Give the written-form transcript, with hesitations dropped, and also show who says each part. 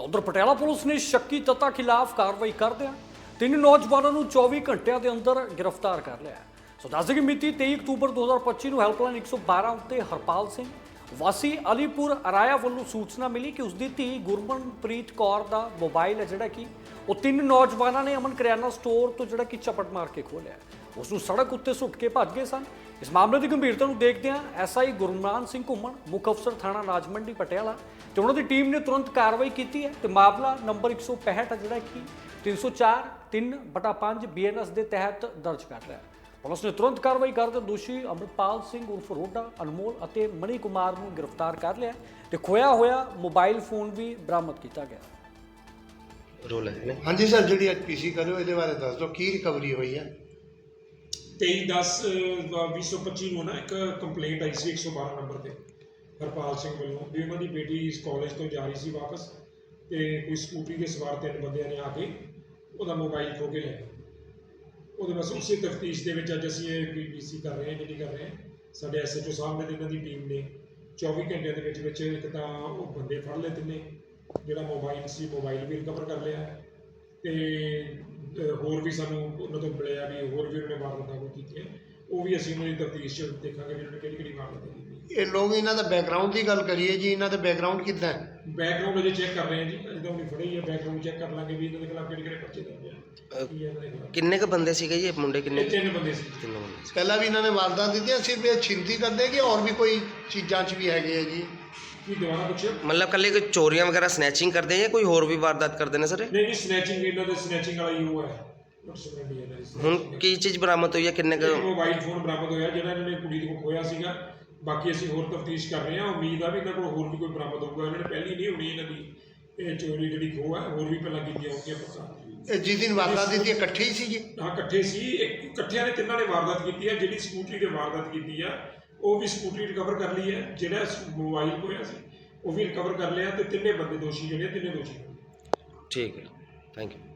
Speaker 1: ਤਾਂ ਉਧਰ ਪਟਿਆਲਾ ਪੁਲਿਸ ਨੇ ਸ਼ੱਕੀ ਤੱਤਾਂ ਖਿਲਾਫ ਕਾਰਵਾਈ ਕਰਦਿਆਂ 3 ਨੌਜਵਾਨਾਂ ਨੂੰ 24 ਘੰਟਿਆਂ ਦੇ ਅੰਦਰ ਗ੍ਰਿਫਤਾਰ ਕਰ ਲਿਆ। ਸੋ ਦੱਸ ਦਈਏ ਕਿ ਮਿਤੀ 23 ਅਕਤੂਬਰ 2025 ਨੂੰ ਹੈਲਪਲਾਈਨ 112 ਉੱਤੇ ਹਰਪਾਲ ਸਿੰਘ ਵਾਸੀ ਅਲੀਪੁਰ ਅਰਾਇਆ ਵੱਲੋਂ ਸੂਚਨਾ ਮਿਲੀ ਕਿ ਉਸਦੀ ਧੀ ਗੁਰਮਨਪ੍ਰੀਤ ਕੌਰ ਦਾ ਮੋਬਾਈਲ ਹੈ ਜਿਹੜਾ ਕਿ ਉਹ 3 ਨੌਜਵਾਨਾਂ ਨੇ ਅਮਨ ਕਰਿਆਨਾ ਸਟੋਰ ਤੋਂ ਜਿਹੜਾ ਕਿ ਝਪਟ ਮਾਰ ਕੇ ਖੋਲਿਆ। ਉਸ ਨੂੰ ਸੜਕ ਉੱਤੇ ਸੁੱਟ ਕੇ ਭੱਜ ਗਏ ਸਨ। ਇਸ ਮਾਮਲੇ ਦੀ ਗੰਭੀਰਤਾ ਨੂੰ ਦੇਖਦਿਆਂ ਐਸਆਈ ਗੁਰਮਾਨ ਸਿੰਘ ਘੁੰਮਣ ਮੁੱਖ ਅਫਸਰ ਥਾਣਾ ਰਾਜਮੰਡੀ ਪਟਿਆਲਾ ਤੇ ਉਹਨਾਂ ਦੀ ਟੀਮ ਨੇ ਤੁਰੰਤ ਕਾਰਵਾਈ ਕੀਤੀ ਹੈ ਤੇ ਮਾਮਲਾ ਨੰਬਰ 165 ਜਿਹੜਾ ਕਿ 304 3/5 ਬੀਐਨਐਸ ਦੇ ਤਹਿਤ ਦਰਜ ਕਰ ਲਿਆ। ਪੁਲਿਸ ਨੇ ਤੁਰੰਤ ਕਾਰਵਾਈ ਕਰਦੇ ਦੋਸ਼ੀ ਅਮਰਪਾਲ ਸਿੰਘ ਉਰਫ ਰੋਡਾ ਅਨਮੋਲ ਅਤੇ ਮਣੀ ਕੁਮਾਰ ਨੂੰ ਗ੍ਰਿਫਤਾਰ ਕਰ ਲਿਆ ਤੇ ਖੋਇਆ ਹੋਇਆ ਮੋਬਾਈਲ ਫੋਨ ਵੀ ਬਰਾਮਦ ਕੀਤਾ ਗਿਆ।
Speaker 2: ਰੋਲ ਹੈ
Speaker 3: ਹਾਂਜੀ ਸਰ, ਜਿਹੜੀ ਅੱਜ ਪੀਸੀ ਕਰਿਓ ਇਹਦੇ ਬਾਰੇ ਦੱਸ ਦਿਓ ਕੀ ਰਿਕਵਰੀ ਹੋਈ ਹੈ।
Speaker 4: 23/10/2025 ਨੂੰ ਨਾ ਇੱਕ ਕੰਪਲੇਂਟ ਆਈ ਸੀ 112 ਨੰਬਰ ਤੇ ਹਰਪਾਲ ਸਿੰਘ ਵੱਲੋਂ ਵੀ ਉਹਨਾਂ ਦੀ ਬੇਟੀ ਇਸ ਕਾਲਜ ਤੋਂ ਜਾ ਰਹੀ ਸੀ ਵਾਪਸ ਤੇ ਕੋਈ ਸਕੂਟਰੀ ਦੇ ਸਵਾਰ 3 ਬੰਦਿਆਂ ਨੇ ਆ ਕੇ ਉਹਦਾ ਮੋਬਾਈਲ ਖੋਹ ਕੇ ਲੈ ਗਏ। ਉਹਦੇ ਬਸ ਉਸੇ ਤਫਤੀਸ਼ ਦੇ ਵਿੱਚ ਅੱਜ ਅਸੀਂ ਇਹ ਪੀਸੀ ਕਰ ਰਹੇ ਹਾਂ, ਜਿਹੜੀ ਕਰ ਰਹੇ ਹਾਂ। ਸਾਡੇ ਐਸਐਚਓ ਸਾਹਿਬ ਨੇ ਤੇ ਇਹਨਾਂ ਦੀ ਟੀਮ ਨੇ 24 ਘੰਟਿਆਂ ਦੇ ਵਿੱਚ ਇੱਕ ਤਾਂ ਉਹ ਬੰਦੇ ਫੜ ਲਏ ਤਿੰਨੇ, ਜਿਹੜਾ ਮੋਬਾਈਲ ਸੀ ਮੋਬਾਈਲ ਵੀ ਰਿਕਵਰ ਕਰ ਲਿਆ ਤੇ ਹੋਰ ਵੀ ਸਾਨੂੰ ਉਹਨਾਂ ਤੋਂ ਮਿਲਿਆ ਵੀ ਹੋਰ ਵੀ ਉਹਨੇ ਵਾਰਦਾਤਾਂ ਕੋਈ ਕੀਤੀਆਂ, ਉਹ ਵੀ ਅਸੀਂ ਉਹਨਾਂ ਦੀ ਤਫਤੀਸ਼ 'ਚ ਦੇਖਾਂਗੇ ਵੀ ਉਹਨੇ ਕਿਹੜੀ ਵਾਰਦਾਤ ਕੀਤੀ।
Speaker 3: ਇਹ ਲੋਕ ਇਹਨਾਂ ਦਾ ਬੈਕਗਰਾਉਂਡ ਦੀ ਗੱਲ ਕਰੀਏ ਜੀ, ਇਹਨਾਂ ਦਾ ਬੈਕਗਰਾਉਂਡ ਕਿੱਦਾਂ ਹੈ?
Speaker 4: ਬੈਕਗਰਾਉਂਡ ਅਜੇ ਚੈੱਕ ਕਰ ਰਹੇ ਹਾਂ ਜੀ, ਅਜੇ ਤਾਂ ਉਹਨੇ ਫੜੇ ਹੀ ਹੈ। ਬੈਕਗਰਾਉਂਡ ਚੈੱਕ ਕਰ ਲਾਂਗੇ ਵੀ ਇਹਨਾਂ ਦੇ ਖਿਲਾਫ ਕਿਹੜੇ ਪਰਚੇ ਦਰਜ ਆ।
Speaker 2: ਕਿੰਨੇ ਕ ਬੰਦੇ ਸੀਗੇ ਜੀ? ਮੁੰਡੇ ਕਿੰਨੇ?
Speaker 4: 3 ਬੰਦੇ ਸੀ।
Speaker 3: ਪਹਿਲਾਂ ਵੀ ਇਹਨਾਂ ਨੇ ਵਾਰਦਾਤ ਦਿੱਤੀਆਂ, ਸਿਰਫ ਇਹ ਛਿੰਤੀ ਕਰਦੇ ਕਿ ਹੋਰ ਵੀ ਕੋਈ ਚੀਜ਼ਾਂ 'ਚ ਵੀ ਹੈਗੇ ਆ ਜੀ?
Speaker 4: ਕੀ ਦੁਬਾਰਾ ਪੁੱਛਿਓ?
Speaker 2: ਮਤਲਬ ਕੱਲੇ ਕੋਈ ਚੋਰੀਆਂ ਵਗੈਰਾ ਸਨੈਚਿੰਗ ਕਰਦੇ ਜਾਂ ਕੋਈ ਹੋਰ ਵੀ ਵਾਰਦਾਤ ਕਰਦੇ ਨੇ ਸਰ?
Speaker 4: ਨਹੀਂ, ਸਨੈਚਿੰਗ ਇਹਨਾਂ ਦੇ ਸਨੈਚਿੰਗ ਵਾਲਾ ਹੀ ਉਹ ਹੈ।
Speaker 2: ਹੁਣ ਕੀ ਚੀਜ਼ ਬਰਾਮਦ ਹੋਈ ਹੈ? ਕਿੰਨੇ ਕ
Speaker 4: ਮੋਬਾਈਲ ਫੋਨ ਬਰਾਮਦ ਹੋਇਆ ਜਿਹੜਾ ਇਹਨਾਂ ਨੇ ਕੁੜੀ ਦੇ ਕੋਲ ਖੋਇਆ ਸੀਗਾ। ਬਾਕੀ ਅਸੀਂ ਹੋਰ ਤਫਤੀਸ਼ ਕਰ ਰਹੇ ਹਾਂ। ਉਮੀਦ ਆ ਵੀ ਇਹਨਾਂ ਕੋਲ ਹੋਰ ਵੀ ਕੋਈ ਬਰਾਮਦ ਹੋਊਗਾ। ਇਹਨਾਂ ਨੇ ਪਹਿਲੀ ਨਹੀਂ ਹੋਣੀ ਇਹਨਾਂ ਦੀ ਇਹ ਚੋਰੀ ਜਿਹੜੀ ਖੋਹ ਹੈ, ਹੋਰ ਵੀ ਪਹਿਲਾਂ ਕੀਤੀਆਂ ਹੋਣਗੀਆਂ ਪਤਾ।
Speaker 3: ਇਹ ਜਿਸ ਦਿਨ ਵਾਰਦਾਤ ਦਿੱਤੀ ਇਕੱਠੇ ਹੀ ਸੀ ਜੀ?
Speaker 4: ਹਾਂ, ਇਕੱਠੇ ਸੀ। ਇਕੱਠਿਆਂ ਨੇ ਤਿੰਨਾਂ ਨੇ ਵਾਰਦਾਤ ਕੀਤੀ ਹੈ। ਜਿਹੜੀ ਸਕੂਟਰੀ ਤੇ ਵਾਰਦਾਤ ਕੀਤੀ ਆ ਉਹ ਵੀ ਸਕੂਟਰੀ ਰਿਕਵਰ ਕਰ ਲਈ ਹੈ। ਜਿਹੜਾ ਮੋਬਾਈਲ ਖੋਇਆ ਸੀ ਉਹ ਵੀ ਰਿਕਵਰ ਕਰ ਲਿਆ ਤੇ ਤਿੰਨੇ ਬੰਦੇ ਦੋਸ਼ੀ ਜਿਹੜੇ ਤਿੰਨੇ ਦੋਸ਼ੀ।
Speaker 2: ਠੀਕ ਹੈ, ਥੈਂਕ ਯੂ।